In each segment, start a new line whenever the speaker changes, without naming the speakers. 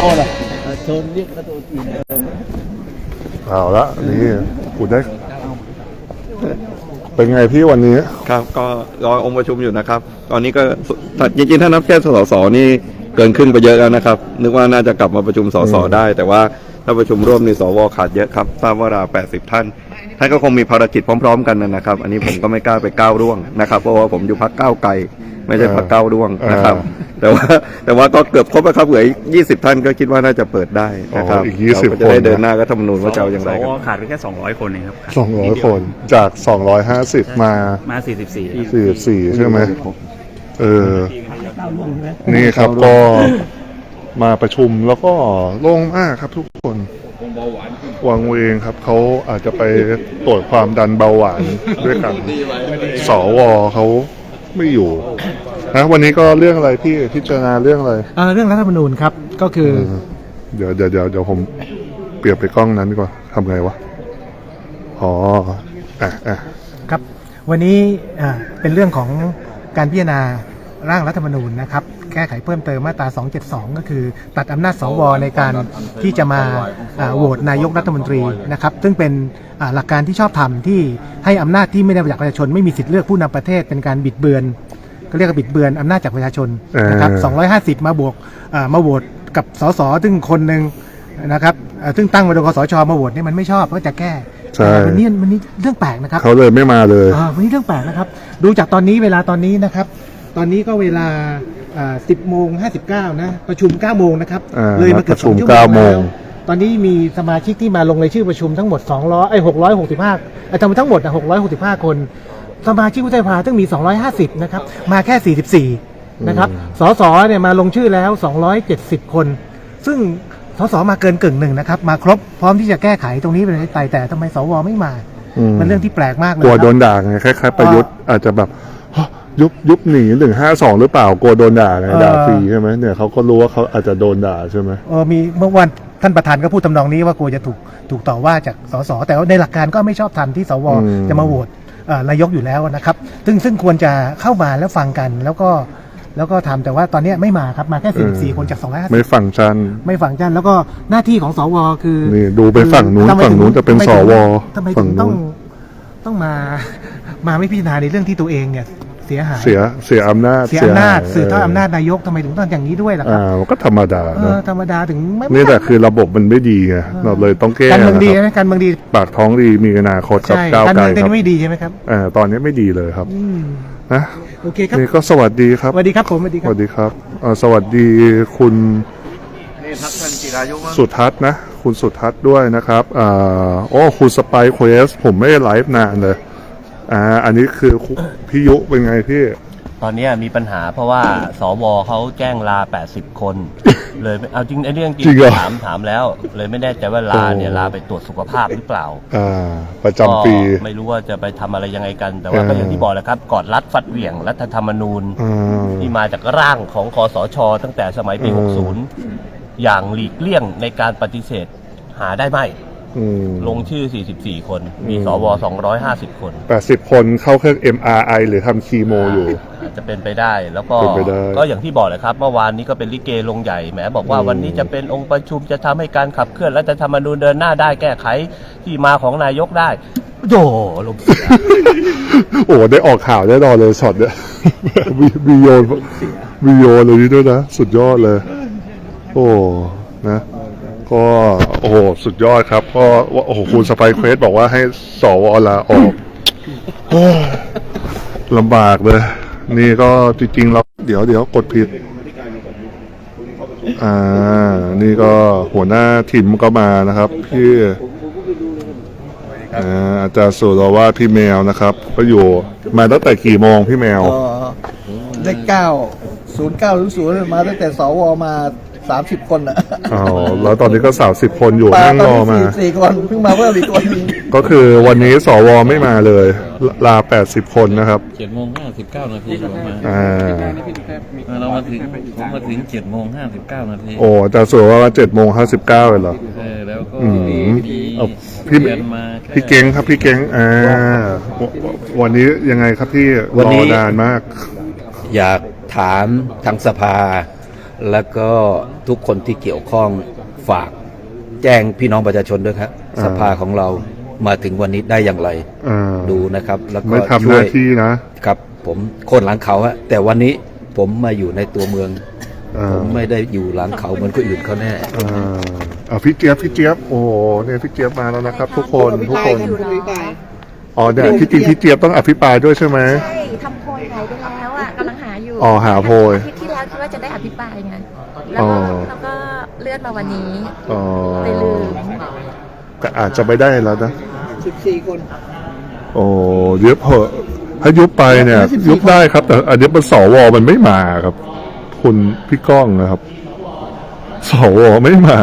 อ๋อเหรอชนเรียกกระโดดตีน
เอาละนี่พูดได้เป็นไงพี่วันนี้
ครับก็รอองค์ประชุมอยู่นะครับตอนนี้ก็จริงๆถ้านับแค่สสนี่เกินครึ่งไปเยอะแล้วนะครับนึกว่าน่าจะกลับมาประชุมสสได้แต่ว่าถ้าประชุมร่วมในสวขาดเยอะครับทราบว่าราว80 ท่านก็คงมีภารกิจพร้อมๆกันนะครับอันนี้ผมก็ไม่กล้าไปก้าวร่วงนะครับเพราะว่าผมอยู่พรรคก้าวไกลไม่ใช่พรรคก้าวร่วงนะครับแต่ว่าก็เกือบครบแล้วครับเหลือ20 ท่านก็คิดว่าน่าจะเปิดได้นะครับ
อีก20 คน
จะได้เดินหน้ารัฐธรรมนูญว่าจะเอาอย่างไรกัน
ขาดไปแค่200 คนเองครับ
200 คนจาก250มา44ใช่ไหมนี่ครับก็มาประชุมแล้วก็โล่งมากครับทุกคนวังเวงครับเขาอาจจะไปตรวจความดันเบาหวานด้วยกันสวเขาไม่อยู่นะวันนี้ก็เรื่องอะไรพี่พิจารณาเรื่องอะไร
เรื่องรัฐธรรมนูญครับก็คือ
เดี๋ยวผมเปลี่ยนไปกล้องนั้นดีกว่าทำไงวะอ๋อ
ครับวันนี้เป็นเรื่องของการพิจารณาร่างรัฐธรรมนูญนะครับแก้ไขเพิ่มเติมมาตรา272ก็คือตัดอำนาจสวในการที่จะมาโหวตนายกรัฐมนตรีนะครับซึ่งเป็นหลักการที่ชอบธรรมที่ให้อำนาจที่ไม่ได้มาจากประชาชนไม่มีสิทธิ์เลือกผู้นำประเทศเป็นการบิดเบือนก็เรียกว่าบิดเบือนอำนาจจากประชาชนนะครับ250มาโหวตกับสสซึ่งคนหนึ่งนะครับซึ่งตั้งมาโดยคสชมาโหวตนี่มันไม่ชอบก็จะแก้วันนี้เรื่องแปลกนะครับ
เขาเลยไม่มาเลย
วันนี้เรื่องแปลกนะครับดูจากตอนนี้เวลาตอนนี้นะครับตอนนี้ก็เวลา10:59นะประชุม9โมงนะครับเลยมาเกือบ2 ชั่วโมงแล้วตอนนี้มีสมาชิกที่มาลงรายชื่อประชุมทั้งหมด665ทั้งหมด665คนสมาชิกวุฒิสภาต้องมี250นะครับมาแค่44นะครับสสเนี่ยมาลงชื่อแล้ว270คนซึ่งสสมาเกินกึ่งหนึ่งนะครับมาครบพร้อมที่จะแก้ไขตรงนี้เป็นไปแต่ทำไมสวไม่มามันเรื่องที่แปลกมากเลย
กลัวโดนด่าไงคล้ายๆประยุทธ์อาจจะแบบยุบหนี152หรือเปล่ากลัวโดนด่าไงด่าฟรีใช่ไหมเนี่ยเขาก็รู้ว่าเขาอาจจะโดนด่าใช่ไหม
มีเมื่อวันท่านประธานก็พูดทำนองนี้ว่ากลัวจะถูกต่อว่าจากสสแต่ว่าในหลักการก็ไม่ชอบทำที่สวจะมาโหวตนายกอยู่แล้วนะครับซึ่งควรจะเข้ามาแล้วฟังกันแล้วก็ทำแต่ว่าตอนนี้ไม่มาครับมาแค่44คนจาก250
ไม่ฟังก์ชัน
แล้วก็หน้าที่ของสวคือ
นี่ดูไปฝั่งนู้นจะเป็นสว
ทำไมถึงต้องมาไม่พิจารณาในเรื่องที่ตัวเองเนี่ยเสียอำนาจสืบทอดอำนาจนายกทำไมถึงต้องอย่างนี้ด้วยล่ะครับ
ก็ธรรมดา
ธรรมดาถึงไม่
นี่แต่คือระบบมันไม่ดีไงเราเลยต้องแก้
การเมืองดีไหมการเมืองดี
ปากท้องดีมีอนาคตกับก้าวไกลครับ
ไม่ดีใช่ไหมครับ
ตอนนี้ไม่ดีเลยครับนะ
โอเคครับ
นี่ก็สวัสดีครับ
สวัสดีครับผมสวัสดีครับ
สวัสดีครับสวัสดีคุณสุทัศน์นะคุณสุทัศน์ด้วยนะครับคุณสไปค์เควสผมไม่ได้ไลฟ์นานเลยอันนี้คือพี่ยุเป็นไงพี่
ตอนนี้มีปัญหาเพราะว่าสวเขาแจ้งลา80 คนเลยเอาจริงเรื่องจริงถามแล้วเลยไม่แน่ใจว่าลาไปตรวจสุขภาพหรือเปล่า
ประจำปี
ไม่รู้ว่าจะไปทำอะไรยังไงกันแต่ว่าก็อย่างที่บอกแหละครับกอดรัดฟัดเหวี่ยงรัฐธรรมนูญที่มาจากร่างของคสชตั้งแต่สมัยปี60อย่างหลีกเลี่ยงในการปฏิเสธหาได้ไหมลงชื่อ44คนมีสว250คน
80คนเข้าเครื่อง MRI หรือทำคีโมอยู่
อาจจะเป็นไปได้แล้วก็อย่างที่บอกแหละครับเมื่อวานนี้ก็เป็นลิเกลงใหญ่แหมบอกว่าวันนี้จะเป็นองค์ประชุมจะทำให้การขับเคลื่อนรัฐธรรมนูญเดินหน้าได้แก้ไขที่มาของนายกได้โย่ลงเสีย
ได้ออกข่าวแน่นอนเลยช็อตเนี่ยวิโยเลยนี่ด้วยนะสุดยอดเลยนะก็สุดยอดครับก็คุณสไปค์เควสบอกว่าให้สวลาออกลำบากเลยนี่ก็จริงๆเราเดี๋ยวกดผิดนี่ก็หัวหน้าทีมก็มานะครับพี่อาจารย์สุรวาทพี่แมวนะครับก็อยู่มาตั้งแต่กี่โมงพี่แมว
ได้9:09 มาตั้งแต่สวมา30 คนอ่ะ
แล้วตอนนี้ก็30 คนอยู่นั่งรอมา
4 คนเพิ่งมาเพิ่มอีกคน
ก็คือวันนี้สวไม่มาเลยลา80 คนนะครับ
7:59 นาทีผมมาเรามาถึงผมมาถึง7:59 นาที
จะสวยว่า7:59เลยเหรอ
แล้วก็
พี่เก้งครับพี่เก้งวันนี้ยังไงครับพี่รอนานมาก
อยากถามทางสภา
แล้วก็ทุกคนที่เกี่ยวข้องฝากแจ้งพี่น้องประชาชนด้วยครับสภาของเรามาถึงวันนี้ได้อย่างไรดูนะครับแล้วก็
ไม่ทำหน้าที่นะครับ
ผมคนหลังเขาฮะแต่วันนี้ผมมาอยู่ในตัวเมืองผมไม่ได้อยู่หลังเขาเหมือนคนอื่นเขาแน่
พี่เจี๊ยบโอ้เนี่ยพี่เจี๊ยบมาแล้วนะครับ ทุกคน อ๋อเนี่ยที่จริงพี่เจี๊ยบต้องอภิปรายด้วยใช่ไหม
ใช่ทำโพยไหนไปแล้วอ่ะกำลังหาอยู่
อ๋อหาโพย
อาทิตย์ที่แล้วคิดว่าจะได้อภิปรายไงแล้วก็เลื่อนมาวันนี้ไปลืม
แต่อาจจะไม่ได้แล้วนะ
14 คน
โอ้ยุบเหอะถ้ายุบไปเนี่ย ยุบได้ครับ แต่อันนี้เป็นสวมันไม่มาครับ คุณพี่ก้องนะครับสวไม่มา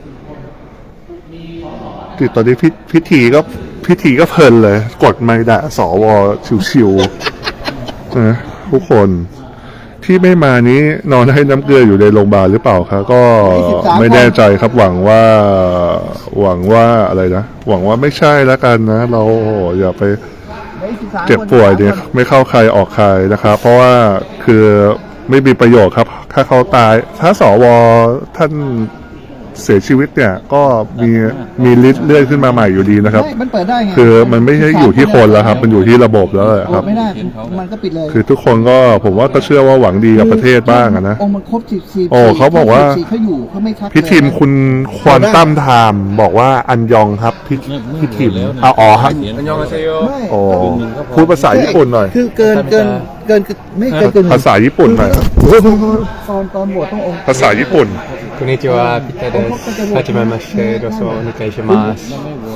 ติดตอนนี้พิธีก็เพลินเลย กดไม่ด่าสวชิวๆนะทุกคนที่ไม่มานี้นอนให้น้ำเกลืออยู่ในโรงพยาบาลหรือเปล่าครับก็ไม่แน่ใจครับหวังว่าอะไรนะหวังว่าไม่ใช่แล้วกันนะเราอย่าไปเจ็บป่วยเนี่ยไม่เข้าใครออกใครนะครับเพราะว่าคือไม่มีประโยชน์ครับถ้าเขาตายถ้าสวท่านเสียชีวิตเนี่ยก็มีฤทธิ์เลื่อนขึ้นมาใหม่อยู่ดีนะครับ
มันเปิดได้ไง
คือมันไม่ใช่อยู่ที่คนแล้วครับมันอยู่ที่ระบบแล้วครับ
ไม่ได้มันก็ปิดเลย
คือทุกคนก็ผมว่าก็เชื่อว่าหวังดีกับประเทศบ้างนะ
องค์มันครบ14
โอ้เขาบอกว่า
เขาอยู่เขาไม่คัด
พี่ทิมคุณควอนตัมไทม์บอกว่าอันยองครับพี่ทิมอ๋อครับ
อันยองอาเซโย
โอ้พูดภาษาญี่ปุ่นหน่อย
คือเกินไม่เกิน
ภาษาญี่ปุ่นหน่อยครับ
ตอนบวชต้ององค์
ภาษาญี่ปุ่น
こんにちは、ピッタです。はじめまして、どうぞお願いします。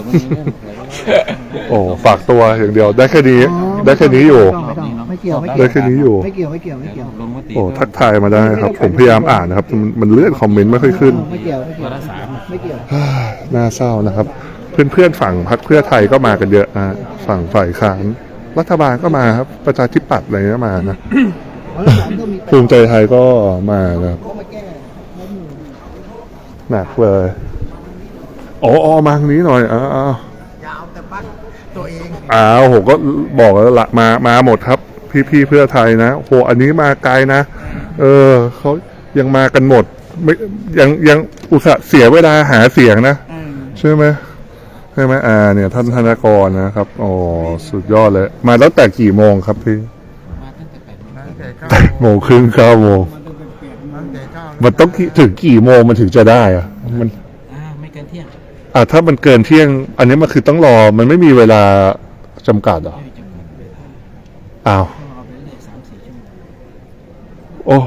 โอ้ฝากตัวอย่างเดียวได้แค่นี้อยู่
ไม่เกี่ยว
ได้แค่นี้อยู่
ไม่เกี่ยว
โอ้ทักทายมาได้ครับ ผมพยายามอ่านนะครับมันเลื่อนคอมเมนต์ไม่ค่อยขึ้น
ไม่เกี่ยว
น่าเศร้านะครับ เพื่อนฝั่งพรรคเพื่อไทยก็มากันเยอะนะฝั่งฝ่ายค้านรัฐบาลก็มาครับประชาธิปัตย์อะไรก็มานะภูมิใจไทยก็มานะครับหนักเลยอ๋อมาทางนี้หน่อยผมก็บอกแล้วละมาหมดครับพี่เพื่อไทยนะโหอันนี้มาไกลนะเขายังมากันหมดไม่ยังอุตส่าห์เสียเวลาหาเสียงนะใช่ไหมเนี่ยท่านธนากรนะครับอ๋อสุดยอดเลยมาแล้วแต่กี่โมงครับพี่8 โมงครึ่ง9 โมงมันต้องถึงกี่โมงมันถึงจะได้อะมัน
ไม่เกินเที่ยง
ถ้ามันเกินเที่ยงอันนี้มันคือต้องรอมันไม่มีเวลาจำกัดหรออ้าวโอ้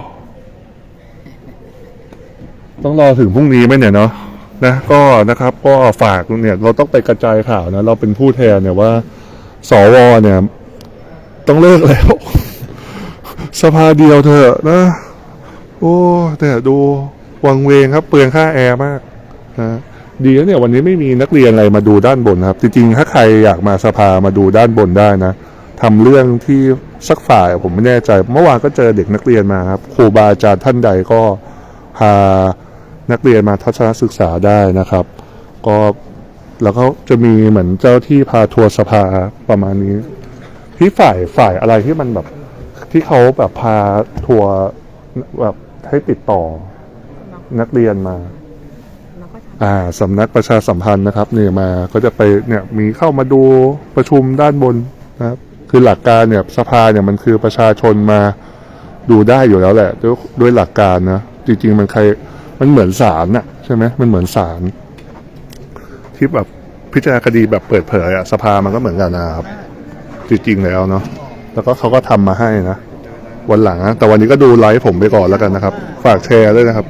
ต้องรอถึงพรุ่งนี้ไหมเนี่ยเนาะนะก็นะครับก็ฝากเนี่ยเราต้องไปกระจายข่าวนะเราเป็นผู้แทนเนี่ยว่าสวเนี่ยต้องเลิกแล้วสภาเดียวเถอะนะโอ้แต่ดูวังเวงครับเปลืองค่าแอร์มากนะดีแล้วเนี่ยวันนี้ไม่มีนักเรียนอะไรมาดูด้านบนครับจริงๆถ้าใครอยากมาสภามาดูด้านบนได้นะทำเรื่องที่สักฝ่ายผมไม่แน่ใจเมื่อวานก็เจอเด็กนักเรียนมาครับครูบาอาจารย์ท่านใดก็พานักเรียนมาทัศนศึกษาได้นะครับก็แล้วก็จะมีเหมือนเจ้าที่พาทัวร์สภาประมาณนี้ที่ฝ่ายอะไรที่มันแบบที่เขาแบบพาทัวร์แบบให้ติดต่อนักเรียนมาสำนักประชาสัมพันธ์นะครับเนี่ยมาก็จะไปเนี่ยมีเข้ามาดูประชุมด้านบนนะครับคือหลักการเนี่ยสภาเนี่ยมันคือประชาชนมาดูได้อยู่แล้วแหละด้วยหลักการนะจริงๆมันเหมือนศาลน่ะใช่ไหมมันเหมือนศาลที่แบบพิจารณาคดีแบบเปิดเผยสภามันก็เหมือนกันนะครับจริงๆแล้วเนาะแล้วก็เขาก็ทำมาให้นะวันหลังนะแต่วันนี้ก็ดูไลฟ์ผมไปก่อนแล้วกันนะครับฝากแชร์ด้วยนะครับ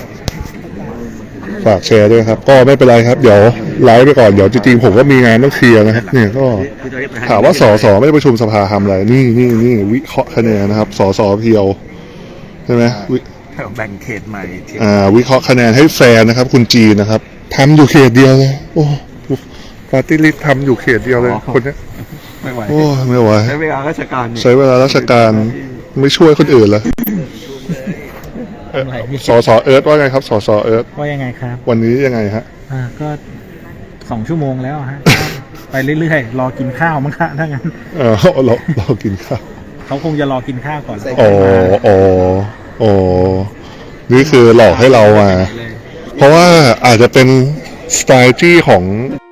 ฝากแชร์ด้วยครับก็ไม่เป็นไรครับเดี๋ยวไลฟ์ไปก่อนเดี๋ยวจริงๆผมก็มีงานต้องเคลียร์นะครับเนี่ยก็ถามว่าสสไม่ได้ประชุมสภาทำอะไรนี่วิเคราะห์คะแนนนะครับสสเพียวใช่ไหม
แบ่งเขตใหม่
วิเคราะห์คะแนนให้แฟนนะครับคุณจีนนะครับทำอยู่เขตเดียวเลยโอ้ปาร์ตี้ลิสต์ทำอยู่เขตเดียวเลยคนนี้ไม่ไหว
ใช้เวลาราชการ
ไม่ช่วยคนอื่นเลยสสเอิร์ธว่าไงครับสสเอิร์ธ
ว่ายังไงครับ
วันนี้ยังไงฮะ
ก็2 ชั่วโมงแล้วฮะไปเรื่อยๆรอกินข้าวมั้งคะถ้างั้น
รอกินข้าว
เขาคงจะรอกินข้าวก่อน
อ๋อนี่คือหลอกให้เรามา เพราะว่าอาจจะเป็นสไตล์จี้ของ